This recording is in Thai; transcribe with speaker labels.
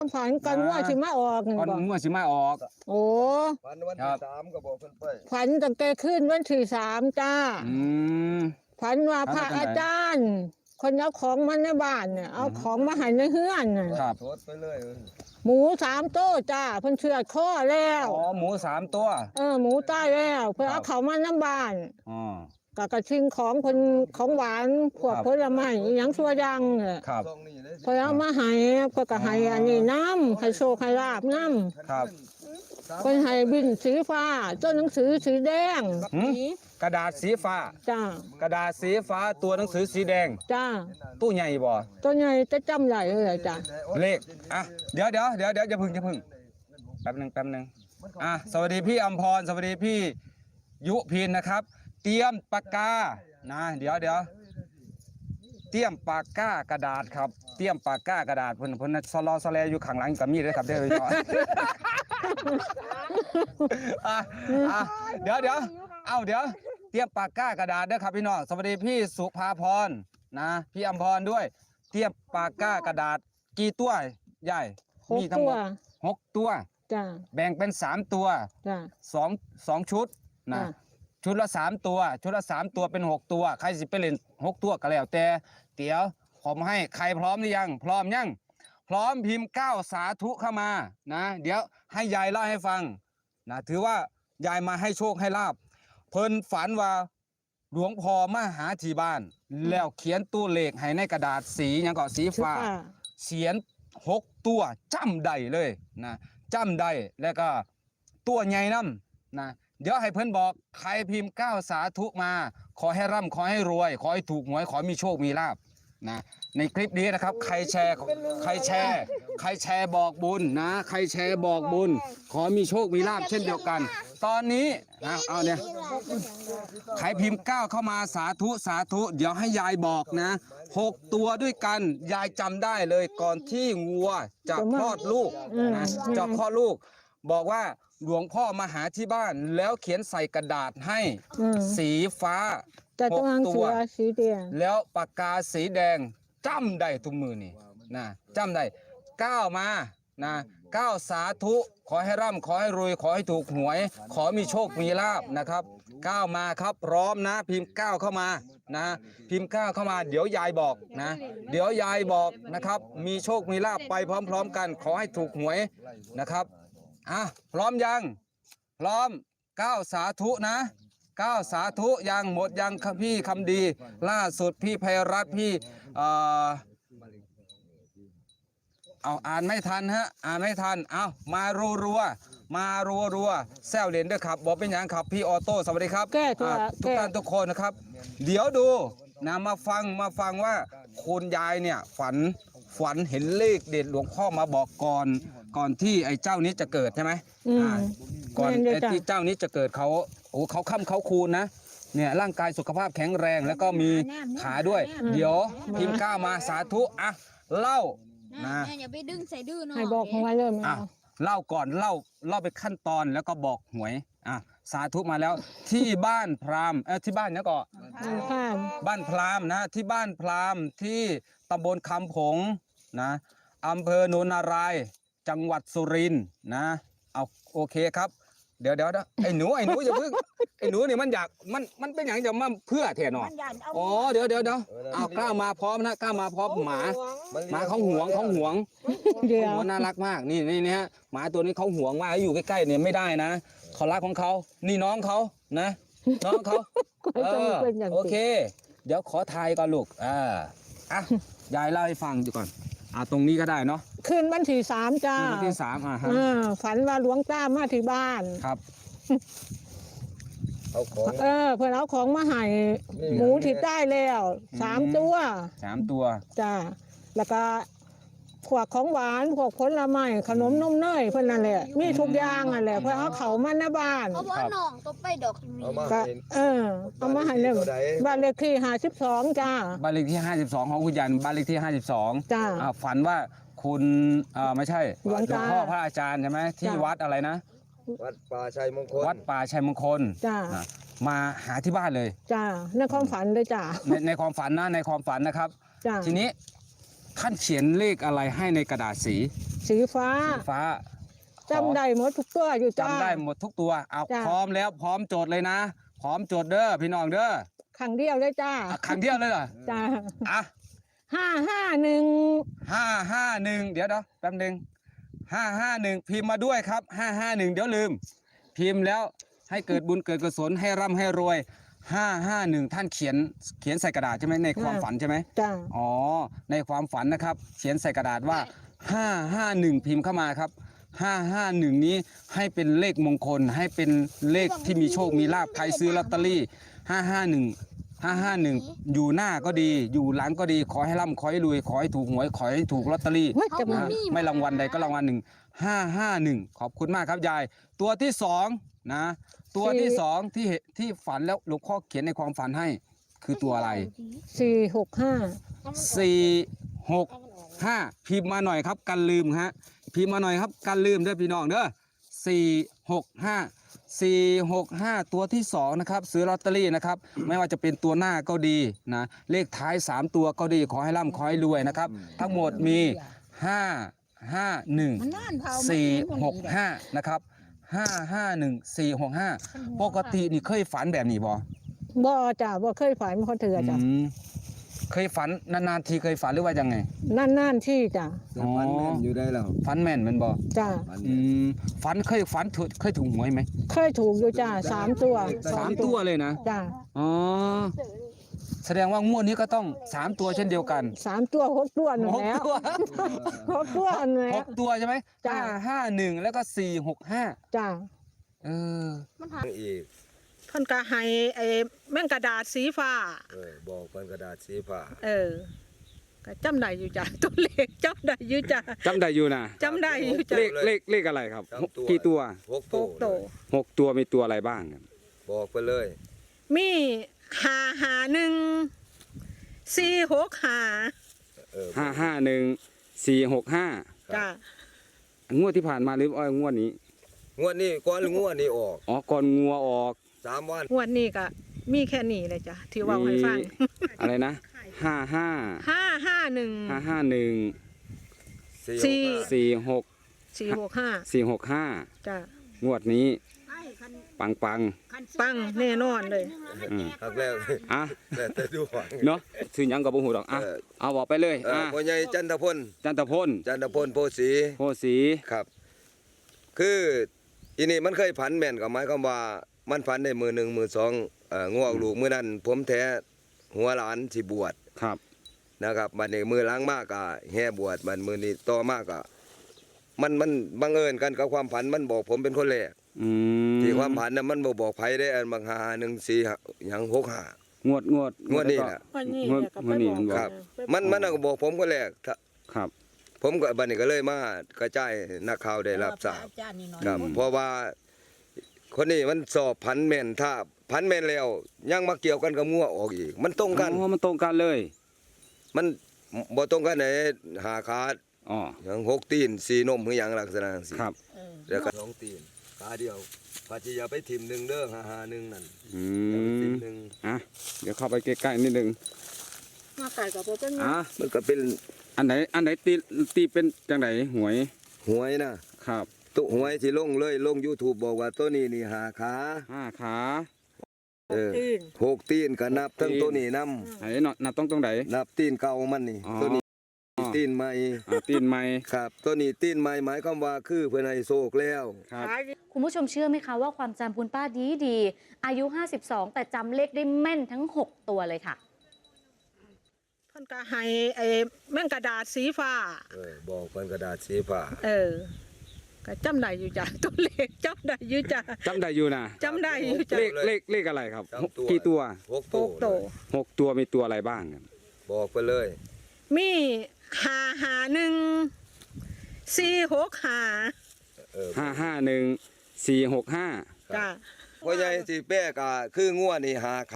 Speaker 1: ฝันกันว่าสิมาออก
Speaker 2: ก่อนงวดสิมาออก
Speaker 1: โอ้
Speaker 3: ฝันวันที่3ก็บอกเพิ่นไป
Speaker 1: ฝันตั้งแต่ขึ้นวันที่3จ้าฝันว่าพระอาจารย์คนเอาของมาในบ้านเนี่ยเอาของมาให้ในเฮือนน่ะ
Speaker 2: ครับ
Speaker 3: โทษไปเลย
Speaker 1: หมู3ตัวจ้าเพิ่นเชือดคอแล้ว
Speaker 2: อ๋อหมู3ตัว
Speaker 1: หมูตายแล้วเพิ่นเอาเขามาในบ้านกระชิงของคนของหวานพวกผลไม้หยังชั่วยังเนี่ยเพิ่นเอามาให้เพิ่นก็ให้อันนี้น้ำให้โชคให้ลาบน้ำ
Speaker 2: ครับ
Speaker 1: เพิ่นให้บินสีฟ้าตัวหนังสือสีแดง
Speaker 2: กระดาษสีฟ้า
Speaker 1: จ้าก
Speaker 2: ระดาษสีฟ้าตัวหนังสือสีแดง
Speaker 1: จ้า
Speaker 2: ตู้ใหญ่บ่
Speaker 1: ตัวใหญ่จะจำได้เลยจ้า
Speaker 2: เลขเดี๋ยวอย่าพึ่งแป๊บนึงสวัสดีพี่อำพรสวัสดีพี่ยุพินนะครับเตรียมปากกานะเดี๋ยวเตรียมปากกากระดาษครับเตรียมปากกากระดาษเพิ่นสลอสแลอยู่ข้างหลังกับมีดเลยครับเด้อพี่น้องเดี๋ยวเตรียมปากกากระดาษด้วยครับพี่น้องสวัสดีพี่สุภาพรนะพี่อำพรด้วยเตรียมปากกากระดาษกี่ตัวใหญ่มีทั้งหมด6ตัว
Speaker 1: จ้า
Speaker 2: แบ่งเป็น3ตัว
Speaker 1: จ้า
Speaker 2: 2ชุดนะชุดละ3ตัวชุดละ3ตัวเป็น6ตัวใครสิไปเล่น6ตัวก็แล้วแต่เดี๋ยวผมให้ใครพร้อมหรือยังพร้อมยังพร้อมพิมพ์9สาธุเข้ามานะเดี๋ยวให้ยายเล่าให้ฟังนะถือว่ายายมาให้โชคให้ลาบเพิ่นฝันว่าหลวงพ่อมาหาที่บ้านแล้วเขียนตัวเลขให้ในกระดาษสียังก็สีฟ้าเขียน6ตัวจำได้เลยนะจำได้แล้วก็ตัวใหญ่น้ำนะเดี๋ยวให้เพิ่นบอกใครพิมพ์9สาธุมาขอให้ร่ำขอให้รวยขอให้ถูกหวยขอมีโชคมีลาภนะในคลิปนี้นะครับใครแชร์บอกบุญนะใครแชร์บอกบุญขอมีโชคมีลาภเช่นเดียวกันตอนนี้เอาเนี่ยใครพิมพ์9เข้ามาสาธุเดี๋ยวให้ยายบอกนะ6ตัวด้วยกันยายจำได้เลยก่อนที่งัวจะคลอดลูกนะจะคลอดลูกบอกว่าหลวงพ่อมาหาที่บ้านแล้วเขียนใส่กระดาษให้สีฟ้า6ตัวแล้วปากกาสีแดงจำได้ทุกมือนี่นะจำได้9มานะ9สาธุขอให้ร่ำขอให้รวยขอให้ถูกหวยขอมีโชคมีลาภนะครับ9มาครับพร้อมนะพิมพ์9เข้ามานะพิมพ์9เข้ามาเดี๋ยวยายบอกนะเดี๋ยวยายบอกนะครับมีโชคมีลาภไปพร้อมๆกันขอให้ถูกหวยนะครับพร้อมยังพร้อม9สาธุนะ9สาธุยังหมดยังพี่คำดีล่าสุดพี่ไพรัตน์พี่อ่านไม่ทันฮะอ่านไม่ทันมารัวแซวเล่นด้วยครับบอกเป็นอย่างครับพี่ออโต้สวัสดีครับทุกท่านทุกคนนะครับเดี๋ยวดูนะมาฟังว่าคุณยายเนี่ยฝันเห็นเลขเด็ดหลวงพ่อมาบอกก่อนที่ไอ้เจ้านี้จะเกิดใช่ไหมก่อนไอ้ที่เจ้านี้จะเกิดเขาค่ำเขาคูณนะเนี่ยร่างกายสุขภาพแข็งแรงแล้วก็มีขาด้วยเดี๋ยวพิมพ์9มาสาธุเล่านะ
Speaker 4: อย่าไปดึงใส่ดื้อเนาะ
Speaker 1: ให้บอกของไว้เลย
Speaker 2: เล่าก่อนเล่าไปขั้นตอนแล้วก็บอกหวยสาธุมาแล้วที่บ้านพราหมณ์ที่บ้านเนี่ยก็บ้านพราหมณ์นะที่บ้านพราหมณ์ที่ตำบลคำผงนะอำเภอโนนนารายจังหวัดสุรินทร์นะเอาโอเคครับเดี๋ยวไอ้หนูอย่าพึ่งไอ้หนูนี่มันอยากมันเป็นอย่างจะมาเพื่อแทนออ๋อเดี๋ยวเอากล้ามาพร้อมนะกล้ามาพร้อมหมาเขาหวงน่ารักมากนี่ฮะหมาตัวนี้เขาหวงมากอยู่ใกล้ๆเนี่ยไม่ได้นะเขารักของเขานี่น้องเขานะน้องเขาโอเคเดี๋ยวขอทายก่อนลูกยายเล่าให้ฟังดูก่อนตรงนี้ก็ได้เนาะ
Speaker 1: คืนวันที่3จ้า
Speaker 2: วันที่3
Speaker 1: ฝันว่าหลวงตามาที่บ้าน
Speaker 2: ครับ
Speaker 3: เอาของ
Speaker 1: เพื่อนเอาของมาให้หมูที่ได้แล้ว3ตัวจ้าแล้วก็พวกของหวานพวกผลไม้ขนมนมเนยเพื่อนนั่นแหละมีทุกอย่างนั่นแหละเพื่อนเอาเขามาในบ้าน
Speaker 4: เพราะว่าน้องก็ไปดอกนี้
Speaker 1: เอามาให้เลยบ้านเลขที่52จ้า
Speaker 2: บ้านเลขที่52ของคุณยันบ้านเลขที่52
Speaker 1: จ้า
Speaker 2: ฝันว่าคุณไม่ใช่หลวงพ่อพระอาจารย์ใช่ไหมที่วัดอะไรนะ
Speaker 3: วัดป่าชัยมงคล
Speaker 1: จ้า
Speaker 2: มาหาที่บ้านเลย
Speaker 1: จ้าในความฝันเลยจ้า
Speaker 2: ในความฝันนะในความฝันนะครับทีนี้ท่านเขียนเลขอะไรให้ในกระดาษสี
Speaker 1: สีฟ้า
Speaker 2: สีฟ้า
Speaker 1: จำได้หมดทุกตัวอยู่จ้า
Speaker 2: จำได้หมดทุกตัวเอา
Speaker 1: จ้ะ
Speaker 2: พร้อมแล้วพร้อมโจทย์เลยนะ พร้อมโจทย์เด้อพี่น้องเด้อ
Speaker 1: ครั้งเดียวเลยจ้า
Speaker 2: ครั้งเดียวเลยเหรอ
Speaker 1: จ้า
Speaker 2: อ่ะ
Speaker 1: 551
Speaker 2: 551เดี๋ยวแป๊บนึง551พิมพ์มาด้วยครับ551เดี๋ยวลืม พิมพ์แล้วให้เกิดบุญเกิดกุศลให้ร่ำให้รวย551ท่านเขียนใส่กระดาษใช่ไหมในความฝันใช่ไหม
Speaker 1: จ้า
Speaker 2: อ๋อในความฝันนะครับ เขียนใส่กระดาษว่า551พิมพ์เข้ามาครับ551นี้ให้เป็นเลขมงคลให้เป็นเลขที่มีโชคมีลาภใครซื้อลอตเตอรี่551อยู่หน้าก็ดีอยู่หลังก็ดีขอให้ร่ำขอให้รวยขอให้ถูกหวยขอให้ถูกลอตเตอรี่
Speaker 1: เฮ้ยจะมา
Speaker 2: นะไม่รางวัลใดก็รางวัลหนึ่ง551ขอบคุณมากครับยาย ตัวที่สองนะตัวที่สองที่ฝันแล้วหลวงพ่อเขียนในความฝันให้คือตัวอะไร
Speaker 1: 465
Speaker 2: 465พิมพ์มาหน่อยครับกันลืมฮะพิมพ์มาหน่อยครับกันลืมเด้อพี่น้องเด้อ465ตัวที่2นะครับซื้อลอตเตอรี่นะครับไม่ว่าจะเป็นตัวหน้าก็ดีนะเลขท้าย3ตัวก็ดีขอให้ร่ำขอให้รวยนะครับทั้งหมดมี551 465นะครับ551 465ปกตินี่เคยฝันแบบนี้บ่
Speaker 1: บ่จ้าบ่เคยฝันคนเถื่อจ้า
Speaker 2: เคยฝันนานๆทีเคยฝันหรือว่ายังไง
Speaker 1: นั่นที่จ้า
Speaker 3: แต่ฝันแม่นอยู่ได้แล้ว
Speaker 2: ฝันแม่นแมันบ่
Speaker 1: จ้า
Speaker 3: ฝัน
Speaker 2: ฝันเคยฝันเคยถูกหวยไหม
Speaker 1: เคยถูกอยู่จ้า3 ตัว
Speaker 2: 3 ตัวเลยนะ
Speaker 1: จ้า
Speaker 2: อ๋อแสดงว่างวดนี้ก็ต้อง3ตัวเช่นเดียวกัน
Speaker 1: 3 ตัว6 ตัวนั่น
Speaker 2: หก
Speaker 1: แล้ว
Speaker 2: ตัว
Speaker 1: 6 ตัวนั่นแหละ
Speaker 2: 6 ตัวใช่ไหม
Speaker 1: จ้ะ
Speaker 2: 551แล้วก็465
Speaker 1: จ้า
Speaker 2: เออ
Speaker 3: อีก
Speaker 1: เพิ่นก็ให้ไอ้แม่งกระดาษสีฟ้า
Speaker 3: บอกเป็นกระดาษสีฟ้า
Speaker 1: ก็จำได้อยู่จ้ะ ตัวเลขจำได้อยู่จ้ะ
Speaker 2: จำได้อยู่นะ
Speaker 1: จำได้อยู่จ้ะ
Speaker 2: เลขอะไรครับกี่ตัว
Speaker 3: หก
Speaker 1: หกตัว
Speaker 2: 6 ตัวมีตัวอะไรบ้างครับ
Speaker 3: บอกไปเลย
Speaker 1: มี551 465
Speaker 2: 551 465
Speaker 1: จ้ะ
Speaker 2: งวดที่ผ่านมาหรืองวดนี้
Speaker 3: งวดนี้ก่อนงวดนี้ออก
Speaker 2: อ๋อก่อนงัวออก
Speaker 3: 3 วัน
Speaker 1: งวดนี้ก็มีแค่นี้เลยจ้ะที่เว่าให้ฟัง
Speaker 2: อะไรนะ55
Speaker 1: 551
Speaker 2: 551
Speaker 1: สี่
Speaker 2: 46
Speaker 1: 465
Speaker 2: 465
Speaker 1: จ้ะ
Speaker 2: งวดนี้ปัง
Speaker 1: ปังแน่นอนเลย
Speaker 3: ครั้งแรก
Speaker 2: อ่ะ
Speaker 3: แต่ดูหวัง
Speaker 2: เนาะซื้อหยังกับบ่ฮู้ดอกอ่ะ เอาบอกไปเลยอ่ะ
Speaker 3: พ่อใหญ่จันทพล
Speaker 2: จันทพล
Speaker 3: โพสี
Speaker 2: โพสี
Speaker 3: ครับ คืออีนี่มันเคยผันแม่นกับหมายความว่ามันผันได้มือหนึ่งมือสองงวกลูกมือนั้นผมแท้หัวหลานสิบวช
Speaker 2: ครับ
Speaker 3: นะครับบัดนี้มือล้างมากก็แห่บวชบัดมือนี้ต่อมากก็มันบังเอิญกันกับความผันมันบอกผมเป็นคนแรก
Speaker 2: อืม
Speaker 3: ที่ความผันน่ะมันบอกไผได้อันบาง514หยัง65
Speaker 2: งวด
Speaker 3: งวดนี้น่ะ
Speaker 1: วันนี้
Speaker 2: งวด
Speaker 1: เนี่ยก็ไป
Speaker 2: นี้
Speaker 1: บอก
Speaker 2: มันบอก
Speaker 3: ครับ
Speaker 1: ไปบอก
Speaker 3: มันน่ะก็บอกผมคนแรก
Speaker 2: ครับ
Speaker 3: ผมก็บัดนี้ก็เลยมากระจายนักข่าวได้รับทราบครับเพราะว่าคนนี้มันสอบผันแม่นถ้าผันแม่นแล้วยังมาเกี่ยวกันกับงัวออกอีก มันตรงกัน
Speaker 2: อ๋อมันตรงกันเลย
Speaker 3: มันบ่ตรงกันไหนหาขาด
Speaker 2: อ๋อ
Speaker 3: อย่าง6 ตีน4 นมคือหยังลักษณะจังซี่
Speaker 2: ครับ
Speaker 3: แล้วก็2 ตีนขาเดียวปาจิอย่าไปทิ่มหนึ่งเด้อ551นั่น
Speaker 2: อื
Speaker 3: อย่าไปทิ่
Speaker 2: ม
Speaker 3: มหนึ่ง
Speaker 2: อ่ะเดี๋ยวเข้าไปใกล้ๆนิดนึง
Speaker 1: มาไก่กับโปเป็นไง
Speaker 2: อ่ะ
Speaker 3: มันก็เป็น
Speaker 2: อันไหนตีเป็นจังไหนหวย
Speaker 3: หวยนะครับ ตุหวยที่ลงเลย YouTube บอกว่าตัวนี้นี่5 ขา
Speaker 2: 5 ขา
Speaker 1: ตื่น
Speaker 3: 6 ตีนก็นับทั้งตัวนี้นํ
Speaker 2: ไหนเนาะนับตรงไหน
Speaker 3: นับตีนเก่ามันนี่
Speaker 2: อ๋อ
Speaker 3: ตัวนี้ตีนใหม่
Speaker 2: ตีนไม้
Speaker 3: ครับตัวนี้ตีนใหม่หมายความว่าคือเพิ่นให้โชคแล้ว
Speaker 2: ครับ
Speaker 5: คุณผู้ชมเชื่อไหมคะว่าความจำคุณป้าดีอายุ 52 แต่จำเลขได้แม่นทั้ง 6 ตัวเลยค่ะ
Speaker 1: เพิ่นก็ให้ไอ้แม่งกระดาษสีฟ้า
Speaker 3: บอกเป็นกระดาษสีฟ้า
Speaker 1: ก็จำได้อยู่จ้ะ ตัวเลขจำได้อยู่จ้ะ
Speaker 2: จำได้อยู่นะ
Speaker 1: จำได้อยู่จ้ะ
Speaker 2: เลขอะไรครับกี่ตัว
Speaker 3: 6
Speaker 1: หกตัว
Speaker 2: 6 ตัวมีตัวอะไรบ้างครับ
Speaker 3: บอกไปเลย
Speaker 1: มี551 465
Speaker 2: 551 465
Speaker 1: จ้ะ
Speaker 3: พ่อใหญ่สิแป้ก็คืองัวนี่หา